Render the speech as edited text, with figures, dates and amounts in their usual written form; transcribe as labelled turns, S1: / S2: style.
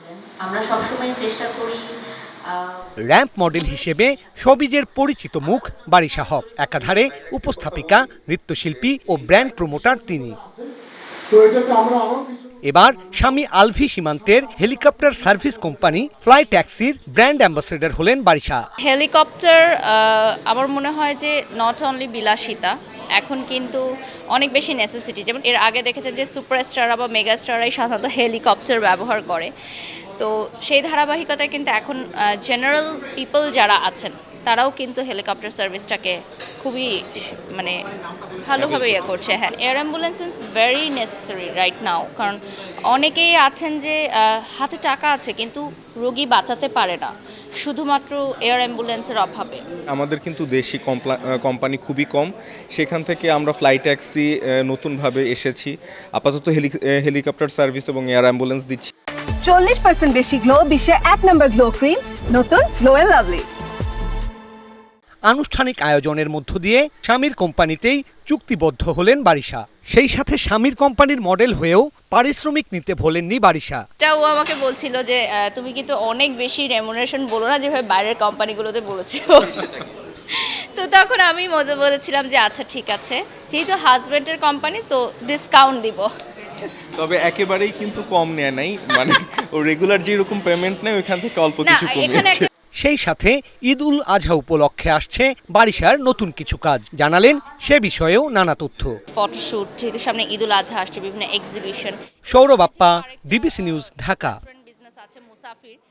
S1: আমরা সবসময় চেষ্টা করি
S2: র্যাম্প মডেল হিসেবে শোবিজের পরিচিত মুখ বারিশা হক, একাধারে উপস্থাপিকা, নৃত্যশিল্পী ও ব্র্যান্ড প্রমোটার তিনি। এবার স্বামী আলভি সীমান্তের হেলিকপ্টার সার্ভিস কোম্পানি ফ্লাই ট্যাক্সির ব্র্যান্ড অ্যাম্বাসেডর হলেন বারিশা।
S3: হেলিকপ্টার আমার মনে হয় যে নট অনলি বিলাসিতা, এখন কিন্তু অনেক বেশি নেসেসিটি। যেমন এর আগে দেখেছেন যে সুপারস্টাররা বা মেগাস্টাররাই সাধারণত হেলিকপ্টার ব্যবহার করে, তো সেই ধারাবাহিকতায় কিন্তু এখন জেনারেল পিপল যারা আছেন তারাও কিন্তু হেলিকপ্টার সার্ভিসটাকে খুবই মানে ভালোভাবে ইয়ে করছে। হ্যাঁ, air ambulance is very necessary right now, কারণ অনেকেই আছেন যে হাতে টাকা আছে কিন্তু রোগী বাঁচাতে পারে না শুধুমাত্র এয়ার অ্যাম্বুলেন্সের অভাবে।
S4: আমাদের কিন্তু দেশি কোম্পানি খুবই কম, সেখান থেকে আমরা ফ্লাই ট্যাক্সি নতুনভাবে এসেছি। আপাতত হেলিকপ্টার সার্ভিস এবং এয়ার অ্যাম্বুলেন্স দিচ্ছি।
S5: 40% বেশি গ্লো, বিশ্বের 1 নম্বর গ্লো ক্রিম, নতুন গ্লো এন্ড লাভলি।
S2: আনুষ্ঠানিক আয়োজনের মধ্য দিয়ে স্বামীর কোম্পানিতেই চুক্তিবদ্ধ হলেন বারিশা। সেই সাথে স্বামীর কোম্পানির মডেল হয়েও পারিশ্রমিক নিতে ভোলেননি বারিশা।
S3: ও আমাকে বলছিল যে তুমি কিন্তু অনেক বেশি রেমুনারেশন বলো না যেভাবে বাইরের কোম্পানিগুলোতে বলেছিল। তো তখন আমি বলেছিলাম যে আচ্ছা ঠিক আছে, যেহেতু হাজব্যান্ডের কোম্পানি সো ডিসকাউন্ট দিব।
S4: তবে একেবারেই কিন্তু কম নেয় নাই, মানে ও রেগুলার যেরকম পেমেন্ট নেয় ওইখান থেকে অল্প কিছু কমিয়েছে।
S2: সেই সাথে ঈদ উল আজহা উপলক্ষে আসছে বারিশার নতুন কিছু কাজ, জানালেন সে বিষয়েও নানা তথ্য।
S3: ফটোশুট, যেহেতু সামনে ঈদ উল আজহা আসছে, বিভিন্ন exhibition.
S2: Sourav Appa, DBC news, Dhaka.
S3: Business আছে মুসাফির।